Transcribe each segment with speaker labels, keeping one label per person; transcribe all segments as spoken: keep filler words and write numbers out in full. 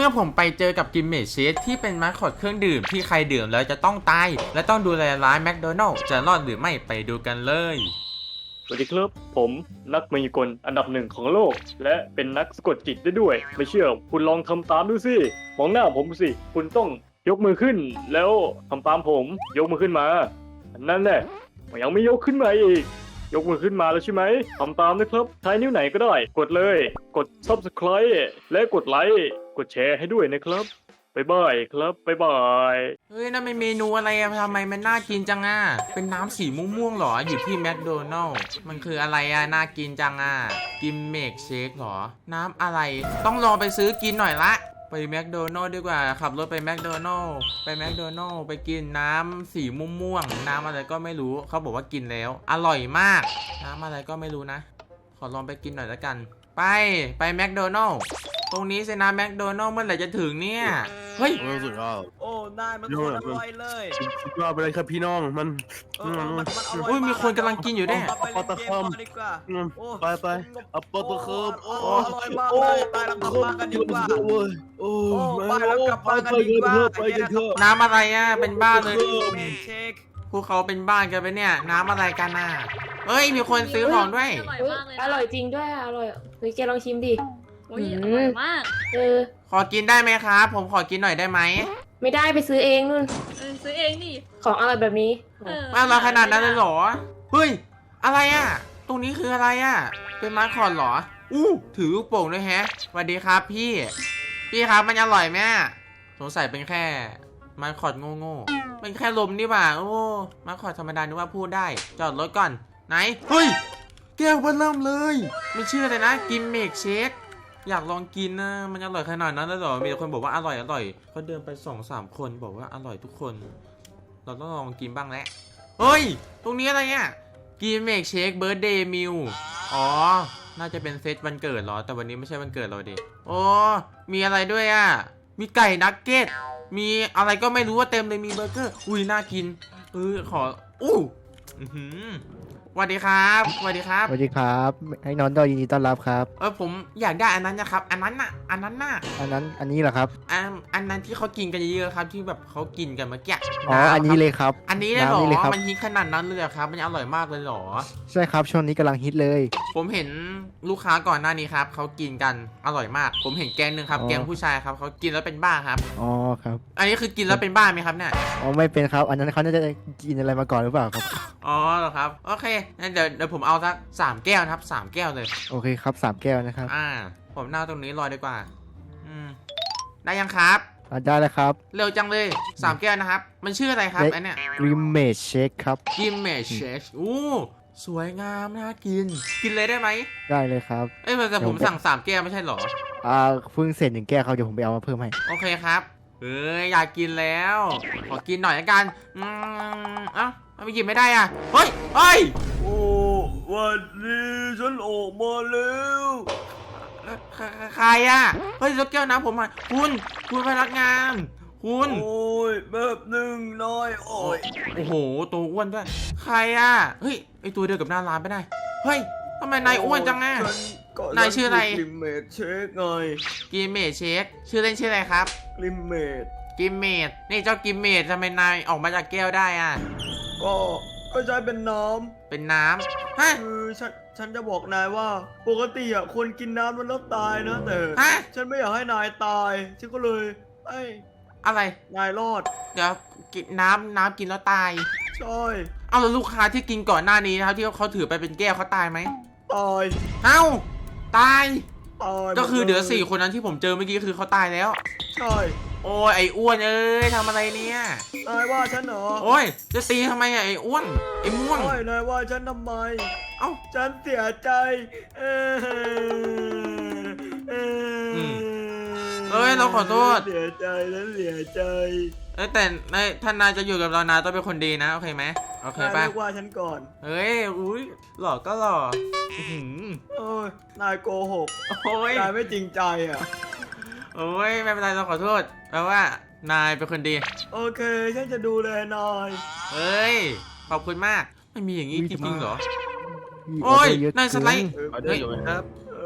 Speaker 1: มื่อผมไปเจอกับกิมเมจเชคที่เป็นมาสคอตเครื่องดื่มที่ใครดื่มแล้วจะต้องตายและต้องดูแลร้านแมคโดนัลด์จะรอดหรือไม่ไปดูกันเลย
Speaker 2: สวัสดีครับผมนักมายากลอันดับหนึ่งของโลกและเป็นนักสะกดจิตได้ด้วยไม่เชื่อคุณลองทำตามดูสิมองหน้าผมสิคุณต้องยกมือขึ้นแล้วทำตามผมยกมือขึ้นมานั่นแหละยังไม่ยกขึ้นมาอีกยกมือขึ้นมาแล้วใช่ไหมทำตามนะครับใช้นิ้วไหนก็ได้กดเลยกด ซับสไครบ์ และกดไลค์กดแชร์ให้ด้วยนะครับบ๊ายบายครับบ๊ายบาย
Speaker 1: เฮ้ยนั่นเป็นเมนูอะไรอะทำไมมันน่ากินจังอ่ะเป็นน้ำสีม่วงๆหรออยู่ที่แมคโดนัลด์มันคืออะไรอะน่ากินจังอ่ะกิมเมจเชคหรอน้ำอะไรต้องลองไปซื้อกินหน่อยละไปแมคโดนัลด์ดีกว่าขับรถไปแมคโดนัลด์ไปแมคโดนัลด์ไปกินน้ำสีม่วงๆน้ำอะไรก็ไม่รู้เขาบอกว่ากินแล้วอร่อยมากน้ำอะไรก็ไม่รู้นะขอลองไปกินหน่อยละกันไปไปแมคโดนัลด์ตรงนี้สินะแมคโดนัลด์เมื่อไหร่จะถึงเนี่ยเฮ้ย
Speaker 3: สุดยอด
Speaker 4: โอ้ได้มันโคตรอร่อยเลย
Speaker 3: สุดยอดไปเลยครับพี่น้องมัน
Speaker 4: เออมันมันอร่อย
Speaker 1: อุ้ยมีคนกำลังกินอยู่เนี่ย
Speaker 4: ไปเล่นเกมก่อนดีกว่าโอ้
Speaker 3: ไปไปเอาปตะเคิบโอ้
Speaker 4: อร่อยมากเลยไปแล้วกลับบ้านกันดีกว่า
Speaker 3: โอ้
Speaker 4: ไปแล้วกลับบ้านกันดีกว่า
Speaker 3: ไปกันเถอะ
Speaker 1: น้ำอะไรอ่ะเป็นบ้านเลย
Speaker 4: เมนเชค
Speaker 1: พวกเขาเป็นบ้านกันไปเนี่ยน้ำอะไรกันน่ะเอ้ยมีคนซื้อของด้วย
Speaker 5: อร่อยมากเลย
Speaker 6: อร่อยจริงด้วยอร่อยเฮ้ยแกลองชิมดิ
Speaker 5: โอ้ยอร่อยมาก
Speaker 6: เออ
Speaker 1: ขอกินได้ไหมครับผมขอกินหน่อยได้ไหม
Speaker 6: ไม่ได้ไปซื้อเองนู่น
Speaker 5: เออซื้อเองนี่
Speaker 6: ของอร่อยแบบนี้
Speaker 5: เออ
Speaker 1: ว่าเราขนาดนั้นเลยเหรอเฮ้ยอะไรอ่ะตรงนี้คืออะไรอ่ะเป็นมาคอดเหรออู้ถือลูกโป่งด้วยแฮะสวัสดีครับพี่พี่ครับมันอร่อยไหมสงสัยเป็นแค่มาคอดโง่ๆเป็นแค่ลมนี่หว่าโอ้มาคอดธรรมดานึกว่าพูดได้จอดรถก่อนไหนเฮ้ยแก้วเบิ่มเลยไม่เชื่อเลยนะกินเมกเชคอยากลองกินนะมันอร่อยขนาดนั้นเลยเหรอมีแต่คนบอกว่าอร่อยอร่อยเขาเดินไปสองสามคนบอกว่าอร่อยทุกคนเราต้องลองกินบ้างแหละเฮ้ยตรงนี้อะไรเนี่ยกินเมกเชคเบิร์ดเดย์มิลอ๋อน่าจะเป็นเซตวันเกิดเหรอแต่วันนี้ไม่ใช่วันเกิดเราดิโอ้มีอะไรด้วยอ่ะมีไก่นักเก็ตมีอะไรก็ไม่รู้ว่าเต็มเลยมีเบอร์เกอร์อุ้ยน่ากินเออขออู้อื้อหือสวัสดีครับสวัสดีครับ
Speaker 7: สวัสดีครับให้น้องดอยยินดีต้อนรับครับ
Speaker 1: เออผมอยากได้อันนั้นนะครับอันนั้นน่ะอันนั้นน่ะ
Speaker 7: อันนั้นอันนี้เหรอครับ
Speaker 1: อันอันนั้นที่เขากินกันเยอะๆครับที่แบบเขากินกันเมื่อกี้
Speaker 7: อ๋ออันนี้เลยครับ
Speaker 1: อันนี้เลยเหรอ
Speaker 7: น้ำนี่เลยครับ
Speaker 1: มันฮิตขนาดนั้นเลยเหรอครับมันอร่อยมากเลยเหรอ
Speaker 7: ใช่ครับช่วงนี้กำลังฮิตเลย
Speaker 1: ผมเห็นลูกค้าก่อนหน้านี้ครับเขากินกันอร่อยมาก ผมเห็นแกงหนึ่งครับ
Speaker 7: อ๋อ
Speaker 1: แกงผู้ชายครับเขากินแล้วเป็นบ้าครับ
Speaker 7: อ๋อครับ
Speaker 1: อันนี้คือกินแล้วเป็นบ้าไหมครับเนี่ย
Speaker 7: อ๋อไม่เป็นครับ อันนั้นเขาน่าจะกินอะไรมาก่อนหรือเปล่าครับ
Speaker 1: อ๋อเหรอครับโอเคงั้นเดี๋ยวเดี๋ยวผมเอาสักสามแก้วนะครับสามแก้วเลย
Speaker 7: โอเคครับสามแก้วนะครับ
Speaker 1: อ่า ผมนั่งตรงนี้รอดีกว่า อืมได้ยังครับ
Speaker 7: อ่ะได้แล้วครับ
Speaker 1: เร็วจังเลยสามแก้วนะครับ มันชื่ออะไรครับ
Speaker 7: ได้
Speaker 1: ไอเนี่ย
Speaker 7: กริมเมชเชคครับ
Speaker 1: กิมเมชเชคอู้สวยงามน่ากิน กินเลยได้ไหม
Speaker 7: ได้เลยครับ
Speaker 1: เอ้ยแต่ผมสั่งสามแก้วไม่ใช่เหรอ
Speaker 7: อ่าเพิ่งเสร็จหนึ่งแก้วครับเดี๋ยวผมไปเอามาเพิ่มให้
Speaker 1: โอเคครับเอ้ยอยากกินแล้ว ขอกินหน่อยละกันอืมเอ้าทำไมกินไม่ได้อ่ะเฮ้ยเฮ้ย
Speaker 4: โอ้วันนี้ฉันออกมาแล้ว
Speaker 1: ใครใครอ่ะเฮ้ยแล้วแก้วน้ำผมอ่ะคุณคุณพนักงาน คุณ
Speaker 4: โอ้ยแบบหนึ่งน้อยโอ้ย
Speaker 1: โอ้โหตัวอ้วนด้วยใครอ่ะเฮ้ยไอตัวเดียวกับหน้าร้านไม่ได้เฮ้ยทำไมนายอ้วนจังอ่ะ นายชื่ออะไร
Speaker 4: ลิมเมดเชคไง
Speaker 1: กิมเมจเชคชื่อเล่นชื่ออะไรครับ
Speaker 4: ลิมเมด
Speaker 1: กิมเมจนี่เจ้ากิมเมจทำไมนายออกมาจากแก้วได้อ่ะ
Speaker 4: ก็ก็ใช้เป็นน้
Speaker 1: เป็นน้ำฮะ
Speaker 4: ำคือฉันฉันจะบอกนายว่าปกติอ่ะคนกินน้ำมันแล้วตายนะแต่
Speaker 1: ฮะ
Speaker 4: ฉันไม่อยากให้นายตายฉันก็เลยไอ้
Speaker 1: อะไร
Speaker 4: นายรอด
Speaker 1: เดี๋ยวกินน้ำน้ำกินแล้วตาย
Speaker 4: ใช่
Speaker 1: เอาแล้วลูกค้าที่กินก่อนหน้านี้นะครับที่เขาถือไปเป็นแก้วเขาตายไหม
Speaker 4: ตาย
Speaker 1: เอ้าตาย
Speaker 4: ตาย
Speaker 1: ก็คือเดี๋ยวสี่คนนั้นที่ผมเจอเมื่อกี้คือเขาตายแล้ว
Speaker 4: ใช่
Speaker 1: โอ้ยไอ้อ้วนเอ้ยทำอะไรเนี่ย
Speaker 4: นายว่าฉันเหรอ
Speaker 1: โอ้ยจะตีทำไมอะไอ้อ้วนไอ้ม่วง
Speaker 4: ใช่นายว่าฉันทำไม
Speaker 1: เอ้า
Speaker 4: ฉันเสียใจเออเออ
Speaker 1: ม เอ้ยเราขอโทษ
Speaker 4: เสียใจฉันเสียใจ
Speaker 1: เอ้ยแต่ในท่านนายจะอยู่กับเรานายต้องเป็นคนดีนะโอเคไหมโอเคน
Speaker 4: าย
Speaker 1: ป่ะ
Speaker 4: เรียกว่าฉันก่อน
Speaker 1: เฮ้ยอุ้ยหล่อก็หล่ออื้อหือ
Speaker 4: โอ้ยนายโกหก
Speaker 1: โอ้ย
Speaker 4: นายไม่จริงใจอ่ะ
Speaker 1: โอ้ยไม่เป็นไรเราขอโทษแปลว่านายเป็นคนดี
Speaker 4: โอเคฉันจะดูแลนาย
Speaker 1: เฮ้ยขอบคุณมากไม่มีอย่างนี้
Speaker 7: อุ๊ย
Speaker 1: จริงๆเหรอ
Speaker 7: มี
Speaker 1: โอ้ย
Speaker 7: เดร์เะ
Speaker 1: นายสไลด์
Speaker 7: เกิ
Speaker 3: เอาเดี๋ยวอยู่ไหมครับ
Speaker 4: เออ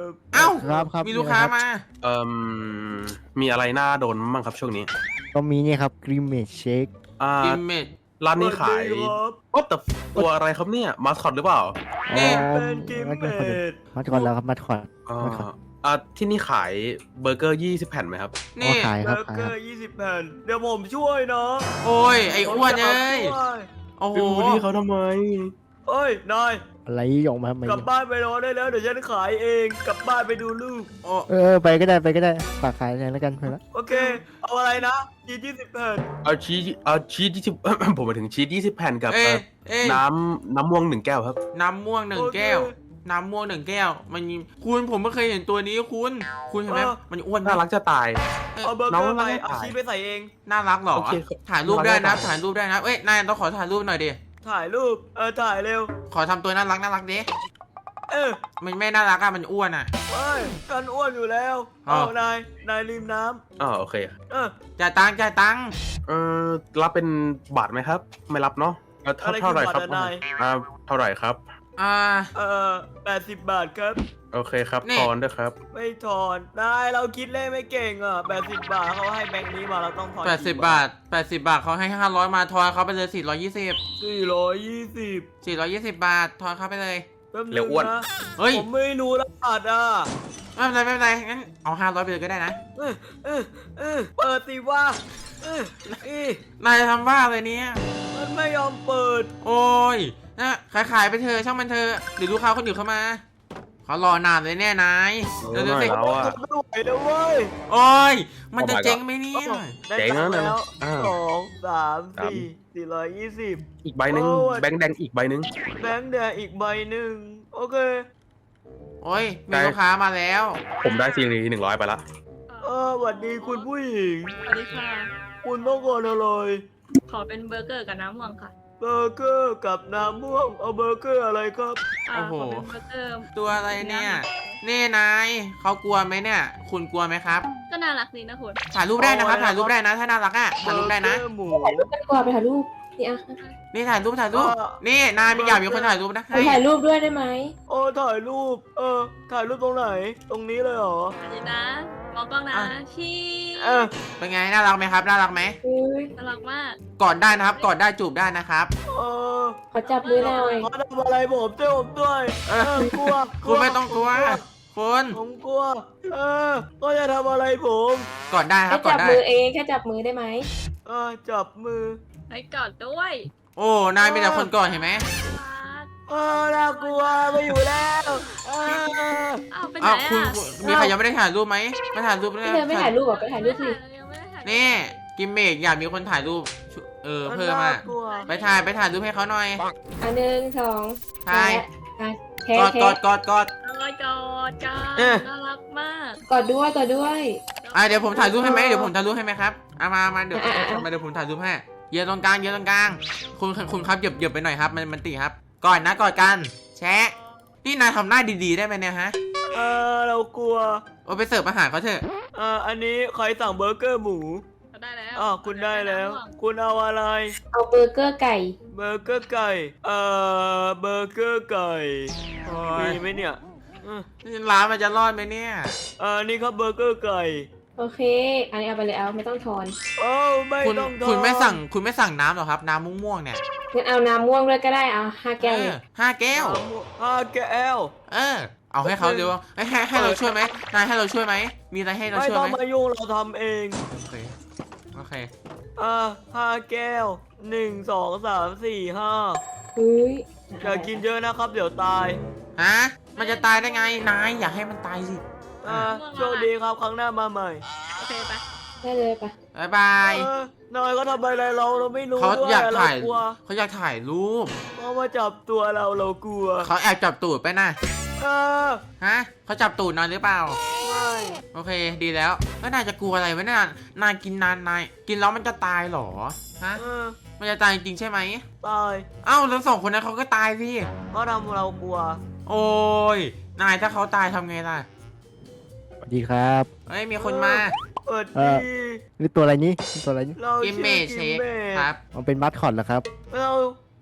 Speaker 1: เอ้า
Speaker 7: ครับครับ
Speaker 1: มีลูกค้ามา
Speaker 3: เอ่มมีอะไรน่าโดนบ้างครับช่วงนี้
Speaker 7: ก็มีเนี่ยครับกริมเมดเชค
Speaker 3: อ่า
Speaker 1: กิมเมด
Speaker 3: ร้านนี้ขาย
Speaker 4: สวัสดีครับ
Speaker 3: โอ้แต่ตัวอะไรครับเนี่ยมาสคอตหรือเปล่า
Speaker 1: นี่
Speaker 4: เป็นกิมเมด
Speaker 7: มัดก่อนแล้วครับมัดก่อน
Speaker 3: อ่า
Speaker 7: มัดก่อน
Speaker 3: อ่าที่นี่ขายเบอร์เกอร์ยี่สิบแผ่นไหมครับ
Speaker 7: อ๋อ
Speaker 1: นี่
Speaker 7: ขาย
Speaker 4: เบ
Speaker 7: ครับ
Speaker 4: อร์
Speaker 7: ขาย
Speaker 4: เก
Speaker 7: ค
Speaker 4: อ
Speaker 7: รับ
Speaker 4: ร์ยี่สิบแผ่นเดี๋ยวผมช่วยนะ
Speaker 1: โอ้ย ไอ้อ้วนเอ้ย
Speaker 4: ผมจะช่วย
Speaker 1: โอ้โห
Speaker 3: ไปบูลลี่เขาทำไม
Speaker 4: เอ้ยนาย
Speaker 7: อะไรออกมาทำไม
Speaker 4: กลับบ้านไปนอนได้แล้วเดี๋ยวฉันขายเองกลับบ้านไปดูลูก
Speaker 1: โอ้
Speaker 7: เออไปก็ได้ไปก็ได้ฝากขายเลยแล้วกันไปละ
Speaker 4: โอเค เอาอะไรนะยียี่สิบแผ่น
Speaker 3: เอาชีสเอาชีสยี่สิบ ผมหมายถึงชีสยี่สิบแผ่นกับ
Speaker 1: เอ้
Speaker 3: เอ่
Speaker 1: ย
Speaker 3: อ
Speaker 1: เอ้ย
Speaker 3: น้ำน้ำม่วงหนึ่งแก้วครับ
Speaker 1: น้ำม่วงหนึ่งแก้ว น้ำม่วงหนึ่งแก้ว มันมีคุณผมไม่เคยเห็นตัวนี้คุณ คุณเห็นไหมมันอ้วนไหม
Speaker 3: น่ารักจะตาย
Speaker 4: เอาเบอร์
Speaker 3: น้
Speaker 4: เก
Speaker 3: อง
Speaker 4: อร์ไป
Speaker 3: ไม่ได้
Speaker 4: เอา
Speaker 3: ขาย
Speaker 4: ชีสไปใส่เอง
Speaker 1: น่ารักเหรอ
Speaker 3: โอเคครับ
Speaker 1: ถ่ายรูปได้นะ
Speaker 3: น่ารัก
Speaker 1: ถ่ายรูปได้นะ เอ้ย นายต้องขอถ่ายรูปหน่อยดิ
Speaker 4: ถ่ายรูปเออถ่ายเร็ว
Speaker 1: ขอทำตัวน่ารักน่ารักดิ
Speaker 4: เออ
Speaker 1: มันไม่น่ารักอะมันอ้วนอะ
Speaker 4: เฮ้ยกันอ้วนอยู่แล้ว
Speaker 1: อ้า
Speaker 4: เอา
Speaker 1: ว
Speaker 4: นายนายลืมน้
Speaker 3: อ๋อโอเค
Speaker 4: ำเออ
Speaker 1: จ่ายตังค์จ่ายตังค์
Speaker 3: เอ่อรับเป็นบาทไหมครับ ไม่รับเนาะเอ่อเท่า
Speaker 4: อะไร
Speaker 3: เท่าไหร่
Speaker 4: คือ
Speaker 3: ครับ
Speaker 4: บัตรอะนาย
Speaker 3: อ่าเท่าไหร่ครับ
Speaker 1: อ่า
Speaker 4: เออแปดสิบบาทครับ
Speaker 3: โอเคครับ
Speaker 1: นี่
Speaker 3: ทอนด้วยครับ
Speaker 4: ไม่ถอนนายเราคิดเลขไม่เก่งอ่ะแปดสิบบาทเขาให้แบงค์นี้มาเราต้องถอน
Speaker 1: แปดสิบบาทแปดสิบบาทเขาให้ห้าร้อยมาทอนเขาไปเลยสี่ร้อยยี่สิบ
Speaker 4: สี่ร้อยยี่สิบ
Speaker 1: สี่ร้อยยี่สิบบาททอนเขาไปเลย
Speaker 4: แป๊บนึง
Speaker 3: เร็วอ้วน
Speaker 4: นะ
Speaker 1: เฮ้ย
Speaker 4: ผมไม่รู้รหัสอ่ะ
Speaker 1: ไม่เป็นไรไม่เป็นไรงั้นเอาห้าร้อยไปเลยก็ได้นะ
Speaker 4: เออเออเออเปิดสิว่าเอออี
Speaker 1: นายจะทำบ้าเลยเนี่ย
Speaker 4: มันไม่ยอมเปิด
Speaker 1: โอ้ยนะขายขายไปเธอะช่างมันเธอะเดี๋ยวลูกค้าคนอื่นเข้ามาเขารอนานเลยแน่นาย
Speaker 3: เออ
Speaker 1: เดี๋ยวเดี๋ยวสิ
Speaker 3: ไม่เอาอะ
Speaker 4: ไม่ไหวแล้วเว้ย
Speaker 1: โอ้ยมันจะเจ๊งไหมเนี่ย
Speaker 4: ได้
Speaker 3: เจ๋ง
Speaker 4: ตั
Speaker 3: นะ
Speaker 4: งค์
Speaker 3: นั่น
Speaker 4: แล้
Speaker 3: น่ะ
Speaker 4: ว
Speaker 3: อ่า
Speaker 4: สองสาม
Speaker 3: สาม
Speaker 4: สี่สี่ร้อยยี่สิบ
Speaker 3: อีกใบหนึ่ง
Speaker 4: โอ้ย
Speaker 3: แบงค์แดงอีกใบหนึ่ง
Speaker 4: แบงค์แดงอีกใบหนึ่งโอเค
Speaker 1: โอ้ยมี
Speaker 3: ได้
Speaker 1: ลูกค้ามาแล้ว
Speaker 3: ผมได้ซีรีหนึ่งร้อยไปละ
Speaker 4: เออสวัสดีคุณผู้หญิง
Speaker 5: สวัสดีค่ะ
Speaker 4: คุณต้องการอะไร
Speaker 5: ขอเป็นเบอร์เกอร์กับน้ำม่วงค่ะ
Speaker 4: เบอร์เกอร์กับน้ำม่วงเอาเบอร์เกอร์อะไรครับ
Speaker 5: อ่า
Speaker 1: โอ้โห
Speaker 5: ขอเป็นเบอร์เกอร์
Speaker 1: ตัวอะไรเนี่ยนี่นายเขากลัวไหมเนี่ย คุณกลัวไหมครับ
Speaker 5: ก็น่ารักดีนะคุณ
Speaker 1: ถ่ายรูปได้นะครับถ่ายรูปได้นะถ้าน่ารักอ่ะถ่ายรูปได้นะ
Speaker 4: เบอร์เกอร์หมู
Speaker 6: ถ่ายรูปกันดีกว่าไปถ่ายรูปนี่อ่ะ
Speaker 1: นี่ถ่ายรูปถ่ายรูป
Speaker 4: เออ
Speaker 1: นี่นายมีอยากมีคนถ่ายรูปนะ
Speaker 6: ไป
Speaker 1: ให้
Speaker 6: ถ่ายรูปด้วยได้ไหม
Speaker 4: โอ้ถ่ายรูป เออ ถ่ายรูปตรงไหน ตรงนี้เลยเหรอ
Speaker 5: อันนี้นะมองกล้องนะชี
Speaker 4: เออ
Speaker 1: เป็นไงน่ารักไหมครับน่ารักไหม
Speaker 6: เฮ้ย
Speaker 5: น่ารักมาก
Speaker 1: กอดได้นะครับกอดได้จูบได้นะครับ
Speaker 4: เออ
Speaker 6: ขอจับมือหน่อย
Speaker 4: เขาทำอะไรผมช่วยผมด้วย
Speaker 1: เอ
Speaker 4: เอ
Speaker 1: อ
Speaker 4: อกลัว
Speaker 1: คุณไม่ต้องกลัวคุณ
Speaker 4: ผมกลัว เออก็จะทำอะไรผม
Speaker 1: กอดได้ค
Speaker 6: แค่
Speaker 1: รับกอ
Speaker 6: จั
Speaker 1: ด
Speaker 6: บ
Speaker 1: ได้
Speaker 6: มือเองแค่จับมือได้ไหม
Speaker 4: เออ จับมือ
Speaker 5: ให้กอดด้วย
Speaker 1: โอ้นายมีแต่คนกอดเห็นไหม
Speaker 5: รัก
Speaker 4: เออ น่ากลัวไม่อยู่แล้วเออ
Speaker 5: อ้าวไปไหน
Speaker 1: อ้าว
Speaker 5: อ่ะ
Speaker 1: คุณมีใครยังไม่ได้ถ่ายรูปไหมมาถ่ายรูป
Speaker 6: พี่เธอไม่ถ่ายรูปเหรอไปถ่ายรูปสิ
Speaker 5: ยังไม่ได้ถ่าย
Speaker 1: นี่กิมเมกอยากมีคนถ่ายรูปชุเออเพิ่ม
Speaker 4: น่า
Speaker 1: อ่ะ
Speaker 4: กลัว
Speaker 1: ไปถ่ายไปถ่ายรูปให้เขาหน่อย
Speaker 6: อันหนึ่งสอง
Speaker 1: ถ่าย
Speaker 6: อ่ะแค่
Speaker 1: กอด
Speaker 6: แค่
Speaker 1: กอดกอดกอด
Speaker 5: กอดกอดกัน
Speaker 4: เอ๊ะ
Speaker 5: น่ารักมาก
Speaker 6: กอดด้วยกอดด้วย
Speaker 1: อ่ะเดี๋ยวผมถ่ายรูปให้ไหมเดี๋ยวผมถ่ายรูปให้ไหมครับเอามามาเดี๋ยว
Speaker 6: อ่ะอ่ะอ่ะ
Speaker 1: มาเดี๋ยวผมถ่ายรูปให้เยืนตรงกลางเยืนตรงกลางคุณคุณครับเหยียบเหยียบไปหน่อยครับมันมันตีครับกอดนะกอดกันแชะนี่นายทำหน้าดีๆได้ไหมเนี่ยฮะ
Speaker 4: เออ เรากลัว
Speaker 1: โอ้ไปเสิร์ฟอาหารเขาเถอะ
Speaker 4: เอออันนี้ใครสั่งเบอร์เกอร์หมู
Speaker 5: ได้แล้ว
Speaker 4: อ๋อคุณได้แล้ว คุณเอาอะไร
Speaker 6: เอาเบอร์เกอร์ไก่
Speaker 4: เบอร์เกอร์ไก่ เอ่อ เบอร์เกอร์ไก่
Speaker 1: โอ้ย
Speaker 4: มีไหมเนี่ยอืม
Speaker 1: ร้านมันจะรอดไหมเนี่ย
Speaker 4: เออนี่ครับเบอร์เกอร์ไก่
Speaker 6: โอเค อันนี้เอาไปเลยเอาไม่ต้องทอน
Speaker 4: โอ้ไม่
Speaker 1: คุณ
Speaker 4: ต้องทอน
Speaker 1: คุณไม่สั่งคุณไม่สั่งน้ำหรอครับ น้ำม่วงๆเนี่ย
Speaker 6: งั้นเอาน้ำม่วงด้วยก็ได้เอาห้าแก้ว
Speaker 1: เอ
Speaker 6: เนี่
Speaker 1: อย ห้าแก้ว
Speaker 4: ห้าแก้ว
Speaker 1: เออ เอาให้เขาเร็วให้ให้ให้เราช่วยไหมนายให้เราช่วยไหมมีอะไรให้เรา
Speaker 4: ไม่
Speaker 1: ช่วย
Speaker 4: ต้อ
Speaker 1: ไห
Speaker 4: ง
Speaker 1: ม
Speaker 4: มายุ่งเราทำเอง
Speaker 1: โอเคโอเค
Speaker 4: อ่าห้าแก้วหนึ่งสองสามสี่ห้า
Speaker 6: เฮ้ย
Speaker 4: อย่ากินเยอะนะครับ เดี๋ยวตาย
Speaker 1: ฮะมันจะตายได้ไงนายอยากให้มันตายสิ
Speaker 4: อ่าโชคดีครับครั้งหน้ามาใหม่
Speaker 5: โอเคไป
Speaker 6: ได้เลยปะ
Speaker 1: บายบาย
Speaker 4: เออนายก็ทำอะไรเราเราไม่รู้
Speaker 1: เขา
Speaker 4: ด้วย
Speaker 1: อยาก
Speaker 4: เรา
Speaker 1: ถ่าย
Speaker 4: กลัว
Speaker 1: เขาอยากถ่ายรูป
Speaker 4: เขามาจับตัวเราเรากลัว
Speaker 1: เขาแอบจับตูดไปนะ
Speaker 4: เออ
Speaker 1: ฮะเขาจับตูดนายหรือเปล่า
Speaker 4: ไม่
Speaker 1: โอเคดีแล้วแล้วนายจะกลัวอะไรวะเนี่ยนายกินนานนายกินแล้วมันจะตายเหรอฮะ
Speaker 4: เออ
Speaker 1: มันจะตายจริงๆใช่ไหม
Speaker 4: ตาย
Speaker 1: เอ้าแล้วสองคนนั้นเขาก็ตายสิ
Speaker 4: เขาทำเรากลัว
Speaker 1: โอ้ยนายถ้าเขาตายทำไงล่ะ
Speaker 7: สวัสดีครับ
Speaker 1: เฮ้ยมีคนมา
Speaker 4: เปิด
Speaker 7: เอ
Speaker 4: ดี
Speaker 7: อ นี่ตัวอะไรนี่นี่ตัวอะไรนี่
Speaker 4: เรา
Speaker 1: กิมเม
Speaker 4: ชื่อ
Speaker 1: เช
Speaker 4: กิม
Speaker 1: ค
Speaker 4: เม
Speaker 1: ครับ
Speaker 7: มันเป็นมัดคอตเหรอครับ
Speaker 4: เรา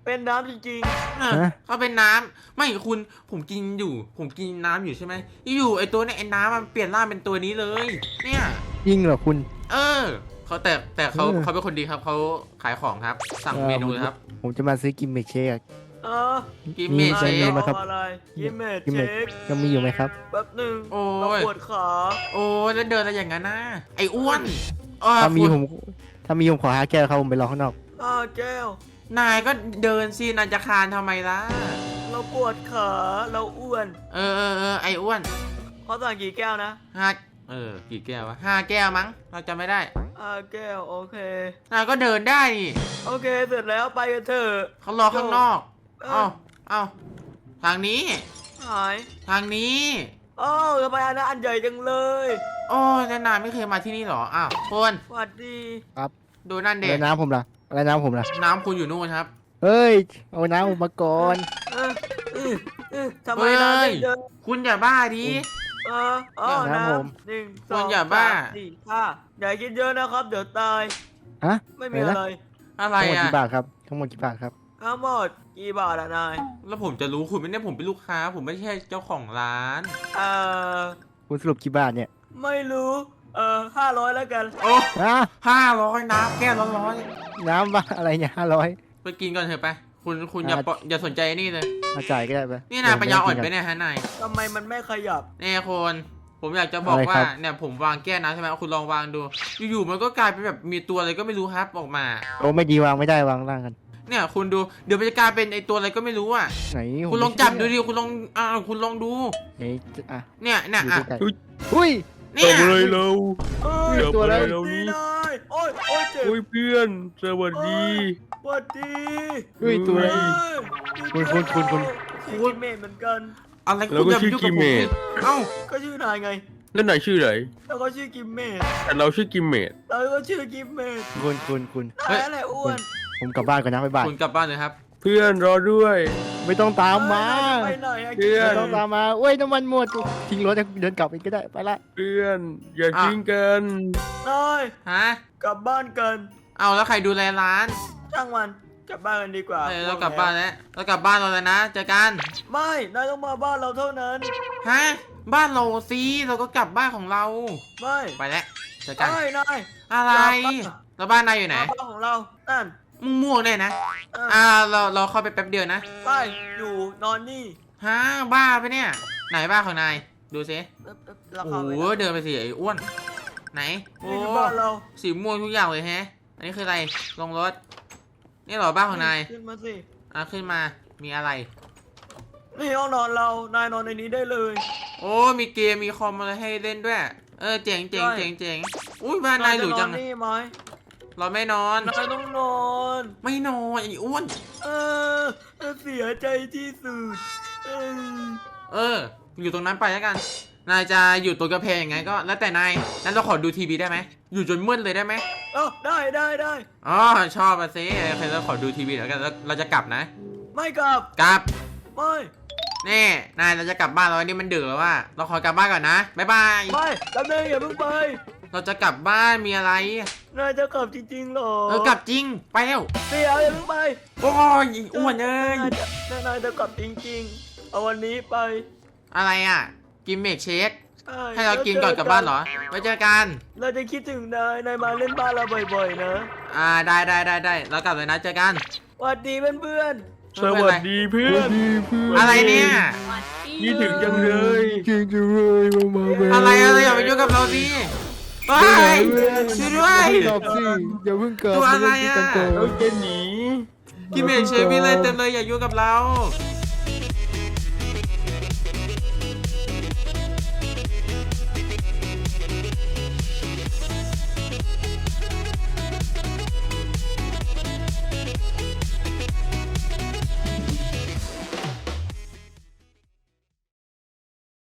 Speaker 4: เป็นน้ำจริง
Speaker 1: เออ
Speaker 7: ฮะ
Speaker 1: เขาเป็นน้ำไม่คุณผมกินอยู่ ผมกินน้ำอยู่ใช่ไหมอยู่ไอตัวเนี่ยไอน้ำมันเปลี่ยนร่างเป็นตัวนี้เลย เนี่ย
Speaker 7: จริงเหรอคุณ
Speaker 1: เออเขาแต่แต่เขา
Speaker 7: เออ
Speaker 1: เขาเป็นคนดีครับเขาขายของครับ สั่ง
Speaker 7: เออ
Speaker 1: เมนูเลยครับ
Speaker 7: ผมจะมาซื้อกิมเมกเชค
Speaker 4: ๆเออ
Speaker 1: กิมเม
Speaker 7: มี
Speaker 1: เช
Speaker 7: ใช่
Speaker 1: ค
Speaker 7: ไหมครับ
Speaker 4: เอาอะไรกิมเมจ
Speaker 7: กิมเม
Speaker 4: เช
Speaker 7: จ
Speaker 4: ค
Speaker 7: ยังมีอยู่ไหมครับ
Speaker 4: แป๊บหนึ่ง
Speaker 1: โอ้ย
Speaker 4: เราปวดขา
Speaker 1: โอ้ยแล้วเดินอะไรอย่างนั้นนะไออ้วนเออ
Speaker 7: ถ้ามี
Speaker 1: คุณ
Speaker 7: ผมถ้ามีผมขอห้าแก้วครับผมไปรอข้างนอก
Speaker 4: อ้าวแก้ว
Speaker 1: นายก็เดินสินายจะคานทำไมล่ะ
Speaker 4: เราปวดขาเราอ้วน
Speaker 1: เออเออเออไออ้วน
Speaker 4: เขาสั่งกี่แก้วนะ
Speaker 1: ห้าเออกี่แก้ววะห้าแก้วมั้งเราจำไม่ได้
Speaker 4: อ่าแก้วโอเค
Speaker 1: นายก็เดินได้นี่
Speaker 4: โอเคเสร็จแล้วไปกันเถอะ
Speaker 1: เขารอข้างนอก
Speaker 4: เอ
Speaker 1: เอ้า
Speaker 4: อ
Speaker 1: เอ้าทางนี้
Speaker 4: หาย
Speaker 1: ทางนี้
Speaker 4: โอ้าวทำไมอันนั้นอันใหญ่จังเลย
Speaker 1: โอ้ยแล้วนายไม่เคยมาที่นี่เหรออ้าวคน
Speaker 4: สวัสดี
Speaker 1: ดูนั่น
Speaker 7: อะ
Speaker 1: เด็
Speaker 7: ไรน้ำผมล่ะอะไรน้ำผมล่ะ
Speaker 1: น้ำคุณอยู่นู่นครับ
Speaker 7: เฮ้ย เอาน้ำผมมาก่อน
Speaker 4: เออเออเออทำไม
Speaker 1: เฮ้ย
Speaker 4: นายไม่เดิน
Speaker 1: คุณอย่าบ้าดิ
Speaker 4: เอออ๋อ
Speaker 7: น้ำผม
Speaker 4: หนึ่งส
Speaker 1: คุ
Speaker 4: อ
Speaker 1: ณ
Speaker 4: ง
Speaker 1: อย่าบ้า
Speaker 4: สามสี่ห้าอย่ากินเยอะนะครับ เดี๋ยวตาย
Speaker 7: ฮะ
Speaker 4: ไม่มี
Speaker 7: อะไรนะ
Speaker 4: อะไร
Speaker 1: อะไร
Speaker 7: ทั้งหมด
Speaker 1: อ่ะ
Speaker 7: กี่บาทครับทั้งหมดกี่บาทครับ
Speaker 4: ทั้งหมดกี่บาทอะนาย
Speaker 1: แล้วผมจะรู้คุณไม่ได้ผมเป็นลูกค้า ผมไม่ใช่เจ้าของร้าน
Speaker 4: เออ
Speaker 7: คุณสรุปกี่บาทเนี่ย
Speaker 4: ไม่รู้ เออห้าร้อยแล้วกัน
Speaker 1: โอ้
Speaker 7: ฮะ
Speaker 1: ห้าร้อยน้ำแก้วร้อน
Speaker 7: น้ำบ้าอะไรเนี่ยห้าร้อย
Speaker 1: ๆไปกินก่อนเถอะไป คุณคุณอย่า
Speaker 7: อ่ะ
Speaker 1: ปล่อยอย่าสนใจนี่เลย
Speaker 7: มาจ่ายก็ได้ไป
Speaker 1: นี่นายปัญญาอ่อนไป
Speaker 7: เดี๋ยว
Speaker 1: เนี่ยฮะนาย
Speaker 4: ทำไมมันไม่ขยับ
Speaker 1: เนี่ยคนผมอยากจะบอก
Speaker 7: อะไร
Speaker 1: ว่า
Speaker 7: ครับ
Speaker 1: เนี่ยผมวางแก้วน้ำใช่ไหมคุณลองวางดู อยู่ๆมันก็กลายเป็นแบบมีตัวอะไรก็ไม่รู้ครับออกมา
Speaker 7: โอ้ไม่ดีวางไม่ได้วางล่างกัน
Speaker 1: เนี่ยคุณดูเดี๋ยวมันจะกลายเป็นไอตัวอะไรก็ไม่รู้อ่ะ
Speaker 7: ไหนผม
Speaker 1: คุณลองจับดูดิคุณลองอ่าคุณลองดู
Speaker 7: ไหนอ่ะ
Speaker 1: เนี่ยเนี่ย
Speaker 7: อยู่
Speaker 1: อ่ะ
Speaker 7: ใกล้ๆอุ้ย
Speaker 1: เนี่ย
Speaker 3: ทำอะไรเรา
Speaker 4: เอ้ย
Speaker 3: เดี๋ยว
Speaker 7: ตัวอะไร
Speaker 3: ไปเรา
Speaker 4: นี่
Speaker 3: นี้
Speaker 4: นายโอ้ยโอ้ยเจ็บ
Speaker 3: โอ้ยเพื่อน สวัสดี
Speaker 4: สวัสดี
Speaker 7: อุ้ยตัวอะไร
Speaker 4: เอ้ย
Speaker 7: คุณคุณคุณคุณ
Speaker 4: ชื่อกิมเมจเหมือนกัน
Speaker 1: อะไร
Speaker 3: แล้วก็
Speaker 1: คุณจะ
Speaker 3: ชื่อ
Speaker 1: ยุ่ง
Speaker 3: กิ
Speaker 1: กับ
Speaker 3: ม
Speaker 1: ผ
Speaker 3: เม
Speaker 1: ม
Speaker 3: จ
Speaker 1: ดิเอ้า
Speaker 4: ก็ชื่อนายไง
Speaker 3: แล้วนายชื่ออะไร
Speaker 4: แล้วก็ชื่อกิมเมจ
Speaker 3: แต่เราชื่อกิมเมจ
Speaker 4: แล้วก็ชื่อกิมเมจ
Speaker 7: คุณคุณคุณ
Speaker 4: นายอะไรอ้วน
Speaker 7: ผมกลับบ้านก่อนนะบ๊ายบาย
Speaker 1: คุณกลับบ้านเลยครับ
Speaker 3: เพื่อนรอด้วย
Speaker 7: ไม่ต้องตามมา
Speaker 4: ไปไหนอะ
Speaker 3: เพื่อน
Speaker 7: ไม่ต้องตามมาเว้ยน้ำมันหมดทิ้งรถแล้วเดินกลับเองก็ได้ไปละ
Speaker 3: เพื่อน อย่า
Speaker 1: อ่ะ
Speaker 3: ทิ้งกัน
Speaker 4: นาย
Speaker 1: ฮะ
Speaker 4: กลับบ้านกัน
Speaker 1: เอาแล้วใครดูแลร้าน
Speaker 4: ช่างมันกลับบ้านกันดีกว่า
Speaker 1: เออเรากลับบ้านแล้วเรากลับบ้านเราแล้วนะเจอกัน
Speaker 4: ไม่นายต้องมาบ้านเราเท่านั้น
Speaker 1: ฮะบ้านเราสิเราก็กลับบ้านของเรา
Speaker 4: ไม่
Speaker 1: ไปแล้วเจอกัน
Speaker 4: ไม่นาย
Speaker 1: อะไร
Speaker 4: กลับบ้าน
Speaker 1: แล้วบ้านนายอยู่ไหน
Speaker 4: มาบ้านของเรานั่น
Speaker 1: มึงม่วงเนี่ยนะ
Speaker 4: เออ
Speaker 1: อ่าเราเราเข้าไปแป๊บเดียวนะ
Speaker 4: ไปอยู่นอนนี่
Speaker 1: ฮะบ้าไปะเนี่ย ไหนบ้านของนายดูสิ
Speaker 4: เอ๊ะเอ๊ะรา
Speaker 1: โอ้
Speaker 4: คา
Speaker 1: โห
Speaker 4: ไป
Speaker 1: เดินไปสิไอ้อ้วนไหนโอ้
Speaker 4: นี่คือบ้านเรา
Speaker 1: สีม่วงทุกอย่างเลยแฮะ อันนี้คืออะไรลงรถนี่เหรอบ้านของนาย
Speaker 4: ขึ้นมาสิ
Speaker 1: อ่ะขึ้นมามีอะไร
Speaker 4: นี่ห้องนอนเรานายนอนในนี้ได้เลย
Speaker 1: โอ้มีเกมมีคอมอะไรให้เล่นด้วย เออเจ๋งเจ๋ง
Speaker 4: ใช่
Speaker 1: เจ๋งเจ๋งอุ้ยบ้านนายหรูจัง
Speaker 4: จะนอนนี่ไหม
Speaker 1: เราไม่นอน
Speaker 4: นายต้องนอน
Speaker 1: ไม่นอนไอ้อ้วน
Speaker 4: เออเสียใจที่สุดเออ
Speaker 1: เออ อยู่ตรงนั้นไปแล้วกัน นายจะอยู่ตัวกระเพงยังไงก็แล้วแต่นายนั้นเราขอดูทีวีได้ไหมอยู่จนมืดเลยได้ไหม
Speaker 4: เอ้าได้ได้ได้
Speaker 1: อ๋อชอบอะซิโอเคเราขอดูทีวีแล้วกันแล้วเราจะกลับนะ
Speaker 4: ไม่กลับ
Speaker 1: กลับ
Speaker 4: ไม่
Speaker 1: นี่นายเราจะกลับบ้านเราอันนี้มันดึกแล้วว่า เราขอกลับบ้านก่อนนะบ๊ายบาย
Speaker 4: ไม่แป๊บนึงอย่าเพิ่งไป
Speaker 1: เราจะกลับบ้านมีอะไร
Speaker 4: นายจะกลับจริงๆเหรอ
Speaker 1: เออกลับจริงไปแล้ว
Speaker 4: เดี๋ยวอย่าเพิ่งไป
Speaker 1: โอ้ยไอ้อ้วนเอ้ย
Speaker 4: นายจะนายจะกลับจริงๆเอาวันนี้ไป
Speaker 1: อะไรอ่ะกินเมกเชค
Speaker 4: ใช่
Speaker 1: ให้เรากินก่อนกลับบ้านเหรอไว้เจอกัน
Speaker 4: เราจะคิดถึงนายนายมาเล่นบ้านเราบ่อยๆนะ
Speaker 1: อ่าได้ได้ได้ได้เรากลับเลยนะเจอกัน
Speaker 4: สวัสดีเพื่อน
Speaker 3: สวัสดีเพื่อน
Speaker 1: อะไรเนี่ย
Speaker 5: สวัสดี
Speaker 3: นี่ถึงจังเลย
Speaker 7: จริงจังเลยมามาแม่
Speaker 1: อะไรอะไรอย่าไปยุ่งกับเราสิไปช่วยด้วย
Speaker 7: กลับสิอย่าเพิ่งกลับ
Speaker 1: ตัวอะไรอะ
Speaker 7: ม่ด้กินกันก่อน
Speaker 3: เราจะหนี
Speaker 1: กินเมกเชคมีอะไรเต็มเลยอย่ายุ่งกับเรา
Speaker 4: ๆ